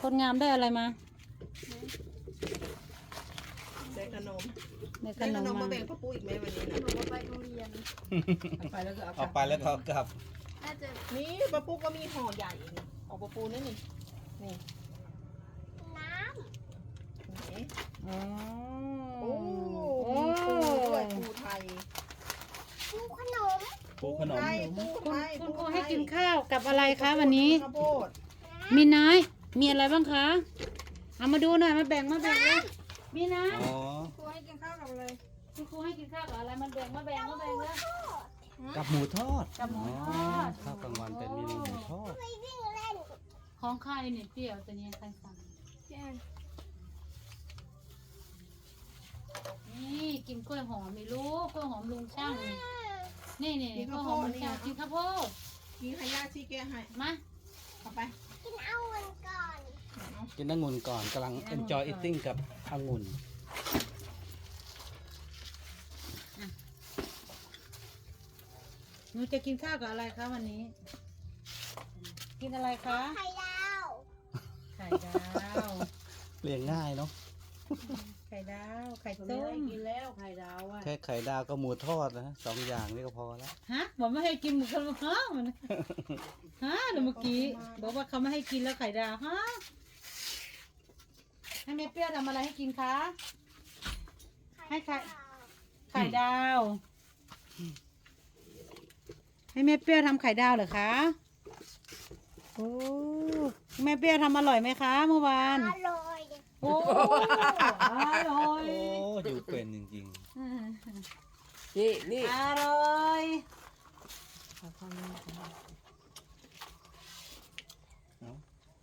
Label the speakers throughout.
Speaker 1: คนงามได้อะไรมา
Speaker 2: ได้ขนม
Speaker 1: ได้ข
Speaker 2: ได้
Speaker 1: น
Speaker 2: ข
Speaker 1: ม
Speaker 2: นม
Speaker 1: มา
Speaker 2: มาแบ่งพ่อปุ้ยอีกไหมวันนี้นะ
Speaker 3: หนูก็ไปโรงเรียน
Speaker 4: ไปแล้วก็เอา
Speaker 5: เอาไปแล้วก็เอากลับ
Speaker 3: น่าจะ
Speaker 2: นี่ป้าปุ๊กก็มีห่อใหญ่นี่ของป้าปูนี่นี่นี่
Speaker 3: น้
Speaker 2: นี่
Speaker 1: อ๋อ
Speaker 2: โอ้
Speaker 1: โอ้
Speaker 2: มีปูด้วยปูไทย
Speaker 3: ำปูขนม
Speaker 5: ปูขนม
Speaker 2: ไทยปู
Speaker 1: คุณ
Speaker 2: ไทย
Speaker 1: คุณครู
Speaker 2: ปูไทย
Speaker 1: ให้กินข้าวกับอะไรคะวันนี้
Speaker 2: ข้าวโพด
Speaker 1: มีน้อยมีอะไรบ้างคะเอามาดูหน่อยมาแบ่งเลยมีนะ
Speaker 5: อ๋อ
Speaker 3: ครูให้กินข้าวกับอะไร
Speaker 1: คุณครูให้กินข้าวกับอะไรมาแบ่งเลย
Speaker 5: กับหมูทอด
Speaker 1: กับหมูทอด
Speaker 5: ข้าวกลางวันเป็นเมนูหมูทอด
Speaker 1: ของใครเนี่ยเปรี้ยวตัวนี้ใครสั่ง
Speaker 3: พี่แอน
Speaker 1: นี่กินกล้วยหอมไม่รู้กล้วยหอมลุงช่างนี่นี่กล้วยหอมลุงช่างกินข้าวโพด
Speaker 2: กินขยะชี้แกะให้
Speaker 1: มา
Speaker 2: เอาไป
Speaker 3: กินเอาเงินก่อน
Speaker 5: กินองุ่นก่อนกำลัง enjoy eating กับองุ่น
Speaker 1: หนูจะกินข้าวกับอะไรคะวันนี้ กินอะไรคะ
Speaker 3: ไข่ดาว
Speaker 1: ไข่ดาว
Speaker 5: เลี้ยงง่ายเนาะ
Speaker 1: ไข่ดาวไข่ต้ม
Speaker 4: กินแล้วไข่ดาวอ่ะ
Speaker 5: แค่ไข่ดาวกับหมูทอดนะสองอย่างนี่ก็พอแล้ว
Speaker 1: ฮะบอกไม่ให้กินหมูกระทะมันฮะเดี๋ยวเมื่อกี้บอกว่าเขาไม่ให้กินแล้วไข่ดาวฮะให้แม่เปรี้ยวทำอะไรให้กินคะ ให้ไข่ ไข่ดาว ให้แม่เปรี้ยวทำไข่ดาวเหรอคะโอ้แม่เปรี้ยวทำอร่อยไหมคะเมื่อวาน
Speaker 3: อร่อย
Speaker 1: โอ้อร่อย
Speaker 5: โอ้อยู่เป็นจริง
Speaker 4: นี่นี่
Speaker 1: อร่อย
Speaker 5: ๆเนาะ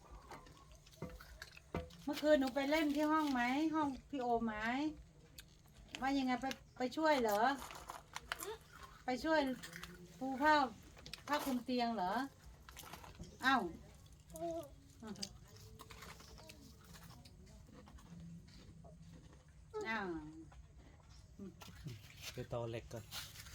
Speaker 1: เมื่อคืนหนูไปเล่นที่ห้องไหมห้องพี่โอไหมว่ายังไงไปช่วยเหรอ ไปช่วยปูผ้าคลุมเตียงเหรออ้าวอ้าว
Speaker 5: ไปตอเหล็กก่อน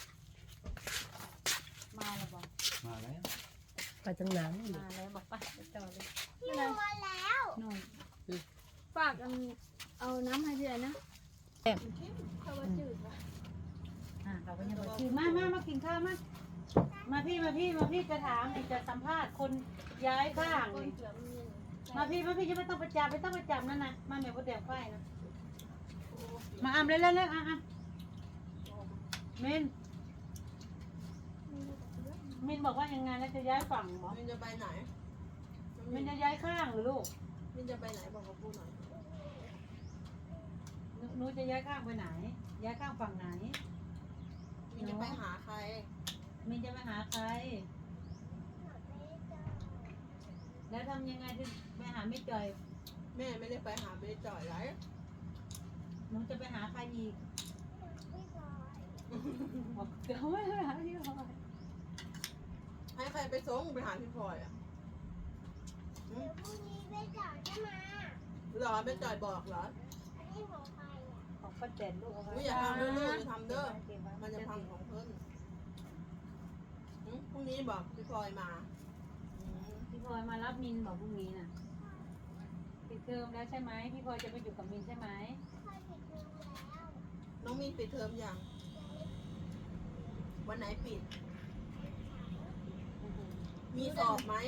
Speaker 1: มาแล้วบอก
Speaker 5: มาแล้ว
Speaker 4: ไปตั้งนาน
Speaker 1: มาแล้วบอกไปต่อเลย
Speaker 3: พี่มาแล้ว
Speaker 1: นู่น
Speaker 3: ฝากเอาน้ำให้พี่แอนนะ
Speaker 1: แอบ
Speaker 3: เขาว่าจืดว่ะ
Speaker 1: เขาก็ยังบอกคือมากินข้าวมาพี่จะถามจะสัมภาษณ์คนย้ายข้าง
Speaker 3: ก้น
Speaker 1: นี่
Speaker 3: เสือมันเย็น
Speaker 1: มาพี่จะไม่ต้องประจำนั่นนะมาเมียประเดี๋ยวไฟนะมาอ่ำเลยอ่ะมินบอกว่ายังไงแล้วจะย้ายฝั่งเหรอ
Speaker 2: มินจะไปไหน
Speaker 1: มินจะย้ายข้างหรือลูก
Speaker 2: มินจะไปไหนบอกกับปูหน่อย
Speaker 1: หนูจะย้ายข้างไปไหน ย้ายข้างฝั่งไหน
Speaker 2: มินจะไปหาใคร
Speaker 1: มินจะไปหาใคร แล้วทำยังไงจะไปหาไม่จ่อย
Speaker 2: แม่ไม่ได้ไปหาเบจ่อยไร
Speaker 1: หนูจะไปหาใครอีกบอกเดี๋ยวไม่ไปหาพี่พลอย
Speaker 2: ให้ใครไปส่งไปหาพี่พลอยอ่ะ
Speaker 3: เดี๋ยวพรุ่งนี้ไปจ่ายจะมา
Speaker 2: เหรอเบจ่อยบอกเหรอ
Speaker 3: อันนี้ของใครอ่ะ
Speaker 1: ของป้าแตนลูกเอาไว้
Speaker 2: อุ๊ยอย่าทำเด้อลูกอย่าทำเด้อ
Speaker 1: เก็บไว้
Speaker 2: มันจะพังของเพิ่นพรุ่งนี้บอกพี่พลอยมา
Speaker 1: พี่พลอยมารับมินบอกพรุ่งนี้น่ะปิดเทอมแล้วใช่ไหมพี่พลอยจะไปอยู่กับมินใช่ไหม
Speaker 3: ใครผิดเรื่องแล้ว
Speaker 2: น้องมินปิดเทอมยัง วันไหนปิด มีสอบไหม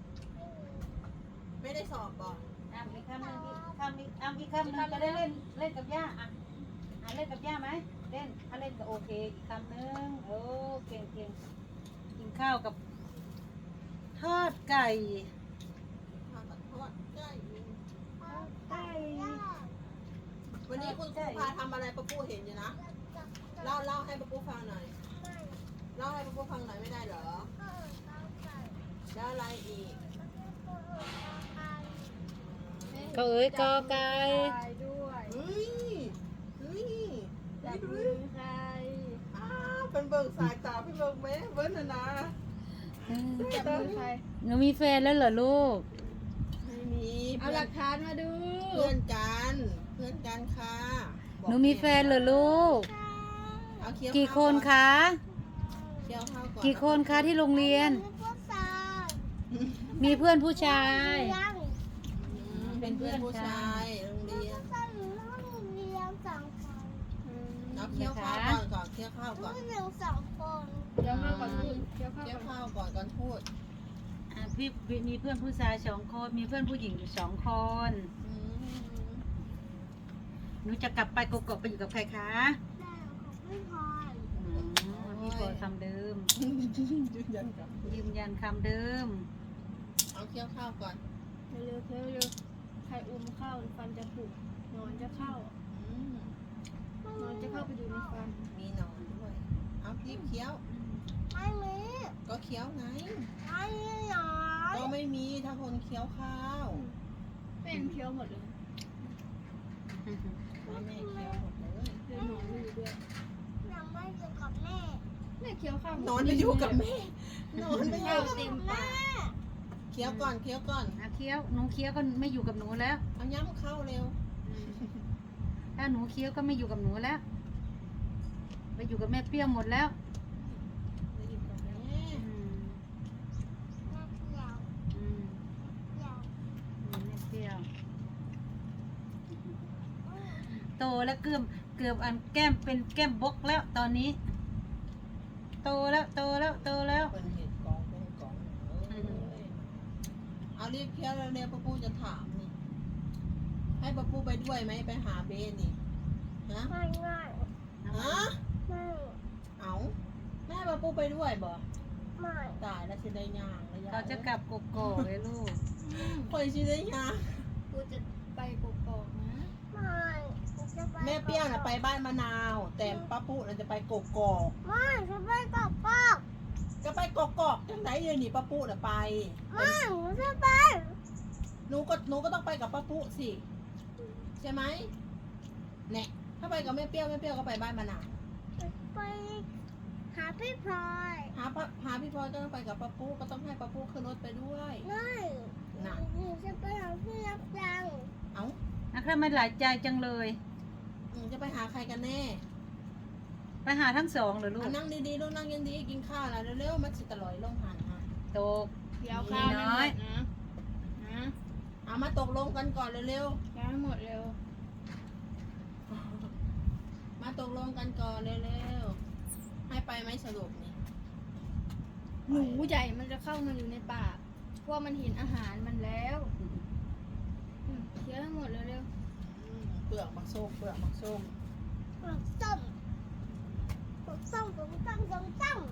Speaker 2: ไม่ได้สอบบอก
Speaker 1: อีกคำหนึ่งอีกคำหนึ่งจะได้เล่นกับย่าเล่นกับย่าไหมเล่นถ้าเล่นก็โอเคอีกคำหนึ่งโอ้เก่งกินข้าวกับทอดไก่
Speaker 2: ทางตัดทอดได้
Speaker 1: ไก่
Speaker 2: วันนี้คุณครูพาทำอะไรป้าปูเห็นอยู่นะ เล่าให้ป้าปูฟังหน่อย เล่าให้ป้าปูฟังหน่อยไม่ได้เหรอ แล้วอะไรอีก
Speaker 1: ก็เอ้ยกอไก่
Speaker 3: ใครด้วย
Speaker 2: เฮ้ยเฮ้ย
Speaker 3: จับมือใคร
Speaker 2: อ้าวเป็นเบิกสายตาพี่เบิกไหมเบิ้ลนะ
Speaker 3: จับมือใคร
Speaker 1: หนูมีแฟนแล้วเหรอลูก
Speaker 2: ไม่มี
Speaker 3: เอาหลักฐานมาดู
Speaker 2: เพื่อนกันค่ะบอก
Speaker 1: หนูมีแฟนเหรอลูก
Speaker 2: เอาเคี้ยว
Speaker 1: กี่คน
Speaker 2: ข้าว
Speaker 1: คะ
Speaker 2: เคี้ยวข้าวก่อน
Speaker 1: กี่คนคะที่โรงเรียน
Speaker 3: พวกสาว
Speaker 1: มีเพื่อนผู้ชาย
Speaker 3: ยัง
Speaker 2: อืมเป็นเพื่อนผู้ชายโรงเรียน
Speaker 3: ก็หนูต้องเรียน2 คน
Speaker 2: เอาเคี้ยวข้าวก่อนก่อนเคี้ยวข้าวก่อน
Speaker 3: หนู2 คน
Speaker 6: เดี๋ยวข้าวก่อนพูดเดี๋ยวข้าว
Speaker 2: เคี้ยว
Speaker 6: ก่อน
Speaker 2: ข้าวก่อนก่อนพูด
Speaker 1: พี่มีเพื่อนผู้ชาย2 คนมีเพื่อนผู้หญิงอยู่2 คน
Speaker 2: อืม
Speaker 1: หนูจะกลับไปกกอกไปอยู่กับใครคะ
Speaker 3: แม่ของพี่พลอย
Speaker 1: พี่พอคำเดิม
Speaker 2: ยืนยันกับ
Speaker 1: ยืนยันคำเดิม
Speaker 2: เอาเคี้ยวข้าวก่อน
Speaker 6: เร็วๆเร็วๆใครอุ้มข้าวฟันจะผุนอนจะเข้า
Speaker 2: อืม
Speaker 6: นอนจะเข้าไปอยู่ในฟัน
Speaker 2: มีหนอนด้วยเอารีบเคี้ยว
Speaker 3: ไม่มี
Speaker 2: ก็เคี้ยวไง
Speaker 3: ไม่มีหนอน
Speaker 2: ก็ไม่มีถ้าคนเคี้ยวข้าว
Speaker 6: เป็นเคี้ยวหมดเลย
Speaker 2: แม่เคี้ยวหมดเลย
Speaker 6: เดี๋ยวหนอนไม่อยู่ด้วย
Speaker 3: หนูไม่อยู่กับแม่
Speaker 6: แม่เคี้ยวข้าวหมด
Speaker 2: นอนไปอยู่กับแม่นอนไปอยู่
Speaker 6: เต็มปาก
Speaker 2: เคี้ยวก่อนเคี้ยวก่อน
Speaker 1: เคี้ยวหนูเคี้ยวก็ไม่อยู่กับหนูแล้ว
Speaker 2: เอาย้ำเข้าเร็ว
Speaker 1: ถ้าหนูเคี้ยวก็ไม่อยู่กับหนูแล้ว ไปอยู่กับแม่เปรี้ยวหมดแล้ว
Speaker 2: ไปอยู่กับแม่
Speaker 3: แม่เขียว
Speaker 1: อืม
Speaker 3: เขียว
Speaker 1: แม่เปรี้ยว โตแล้วเกือบอันแก้มเป็นแก้มบกแล้วตอนนี้ โตแล้ว
Speaker 2: เป็นเห็ดกองเป็นกองเอ้ยเอารีบเคี้ยวเร็วๆป้าปูจะถามนี่ ให้ป้าปูไปด้วยไหมไปหาเบนนี่ฮะ
Speaker 3: ไม่ไม่
Speaker 2: ฮะ
Speaker 3: ไม่
Speaker 2: เอาแม่ป้าปูไปด้วยบ่
Speaker 3: ไม่
Speaker 2: ตายแล้วสิได้ย่างแล้วย่
Speaker 1: เขาจะกลับกกอกเลยลูก
Speaker 2: คอยสิได้ย่าง
Speaker 6: กูจะไปกกอกนะ
Speaker 3: ไม่จะไป
Speaker 2: แม่เปรี้ยวน่ะไปบ้านมะนาว แต่ป้าปูน่ะจะไปกกอก
Speaker 3: ไม่จะไปกับพ่อ
Speaker 2: ก็ไปกกอกจังไหนเลยนี่ป้าปูน่ะไป
Speaker 3: ไม่หนูจะไป
Speaker 2: หนูก็ต้องไปกับป้าปูสิใช่ไหมเนี่ยถ้าไปกับแม่เปรี้ยวก็ไปบ้านมะนาว
Speaker 3: ไปหาพี่พลอย
Speaker 2: หาพี่พลอยก็ต้องไปกับป้าปูก็ต้องให้ป้าปูขึ้นรถไปด้วย
Speaker 3: ไม่
Speaker 2: น่ะ
Speaker 3: หนูจะไปหาพี่รับจัง
Speaker 2: เอ้า
Speaker 1: นะครับไม่หลายใจจังเลย
Speaker 2: จะไปหาใครกันแน่
Speaker 1: ไปหาทั้งสองเหรอลูก
Speaker 2: นั่งดีๆลูกนั่งยังดีกินข้าวแล้วเร็วๆมันสิตะลอยลงหันฮะ
Speaker 1: โตก
Speaker 6: เคี้ยวข้าวให้หมดนะนะ
Speaker 2: เอามาตกลงกันก่อนเร็ว
Speaker 6: เคี้ยวให้หมดเร็ว
Speaker 2: ๆมาตกลงกันก่อนเร็วๆให้ไปไหมสรุปนี่
Speaker 6: หนูใหญ่มันจะเข้ามาอยู่ในปากเพราะมันเห็นอาหารมันแล้วเคี้ยวให้หมดเร็ว
Speaker 2: เปลือกมักส้มเปลือกมักส้ม
Speaker 3: ปลูกส้มปลูกส้มปลูกส้มปลูกส้ม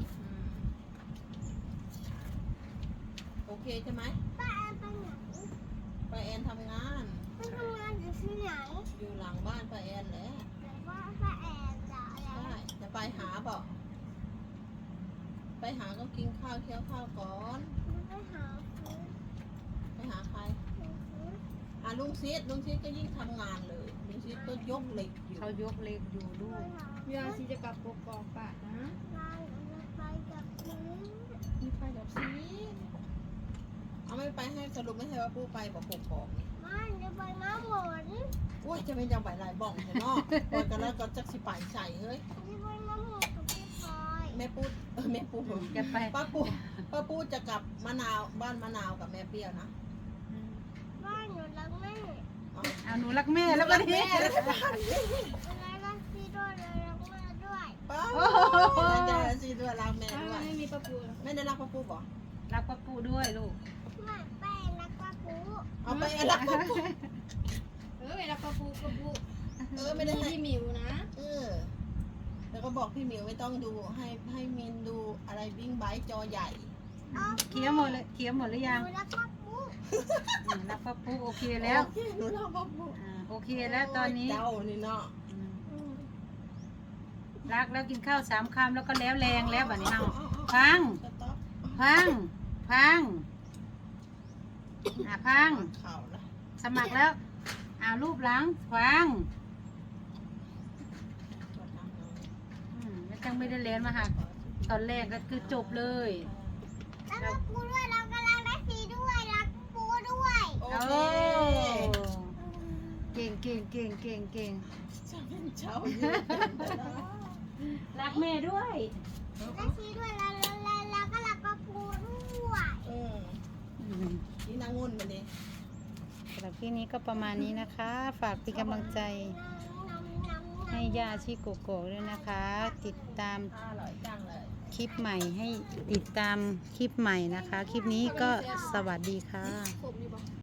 Speaker 2: โอเคใช่ไหม
Speaker 3: ป้าแอนไปไหน
Speaker 2: ไปแอนทำงาน
Speaker 3: ไปทำงานอยู่ที่ไหน
Speaker 2: อยู่หลังบ้านไปแอนแหละ
Speaker 3: แต่ว่าป้าแอนจะอะไร
Speaker 2: ใช่จะไปหาบอกไปหาก็กินข้าวเคี้ยวข้าวก่อน
Speaker 3: ไปหาซื้อ
Speaker 2: ไปหาใคร
Speaker 3: ซื้อ
Speaker 2: หาลุงซีดก็ยิ่งทำงานเลยลุงซีดก็ยกเหล็กอยู่
Speaker 1: เขายกเล็กอยู่ลู
Speaker 3: ไป
Speaker 1: ก
Speaker 3: หา
Speaker 6: ๆเวลาซีจะกลับกกอกปะนะ
Speaker 3: ร้านจะไปกับซื้อ
Speaker 2: มีไปกับซีดเอาไม่ไปให้สรุปไม่ให้ว่าปูไปบอกปกนี่
Speaker 3: ไม่จะไปน้ำหมน
Speaker 2: โอ้ยจะเป็นจังไหวหลายบ้องเห็นเนาะปล่อยกันแล้วก็จักสิไปใส่เฮ้ย
Speaker 3: จะไปน้ำหมนกับพี่พลอย
Speaker 2: แม่ปูแม่ปู
Speaker 1: จะไป
Speaker 2: ป้าปูจะกลับมะนาวบ้านมะนาวกับแม่เปรี้ยวนะ
Speaker 3: บ้านหนูรักแม่
Speaker 2: อ๋อ
Speaker 1: เอาหนูรักแม่แล้วก็นี่
Speaker 3: เวลารักพี่ด้วยเลยรักแม่ด้วย
Speaker 2: ป้าจะซีด้วยรักแม่
Speaker 6: ถ้า
Speaker 2: ด้ว
Speaker 6: มัน
Speaker 2: ย
Speaker 6: ไม่มีปลาปู
Speaker 2: ไม่ได้รักป้าปูบอก
Speaker 1: รักป้าปูด้วยลูก
Speaker 3: แม่แป้งรักป้าปู
Speaker 2: เอาไปรักป้าปู
Speaker 6: เวลาปลาปู
Speaker 2: ไม่ได้ให้
Speaker 6: พี่หมิวนะ
Speaker 2: แล้วก็บอกพี่หมิวไม่ต้องดูให้มินดูอะไรบิ้งไบค์จอใหญ่
Speaker 1: เคี้ยวหมดเลยเคี้ยวหมดหรือยัง
Speaker 3: หนูรักป้าปู
Speaker 1: รักป้าปูโอเคแล้ว
Speaker 2: โอเคหนูรักป้าปู
Speaker 1: โอเคแล้วตอนนี้
Speaker 2: เจ้านี่เนาะ
Speaker 1: รักแล้วกินข้าว3 คำแล้วก็แล้วแรงแล้วแบบนี้เอาพัง
Speaker 2: สต๊อป
Speaker 1: พังพัง
Speaker 2: เข่าละ
Speaker 1: สมัครแล้วรูปหลังพังแล้วจังไม่ได้เรียนมาหักตอนแรกก็คือจบเลย
Speaker 3: รักป้าปูด้วยรักกำลังได้ซีด้วยรักปูด้วย
Speaker 2: โอ
Speaker 1: โอ้
Speaker 2: เค
Speaker 1: เก่ง
Speaker 2: จะเป็นเจ้า
Speaker 1: รักแม่ด้วย
Speaker 3: ได้ซีด้วยแล้วก็รักป้าปูด้วย
Speaker 2: นี่นางงุ่นมาดิ
Speaker 1: รรับคลิปนี้ก็ประมาณนี้นะคะ ฝากเป็นกำลังใจให้ย่าชีโกโก้ด้วยนะคะ ติดตาม
Speaker 2: อร่อยจังเลย
Speaker 1: คลิปใหม่ให้ติดตามคลิปใหม่นะคะ คลิปนี้ก็สวัสดีค่ะ
Speaker 6: ผมอยู่ปะ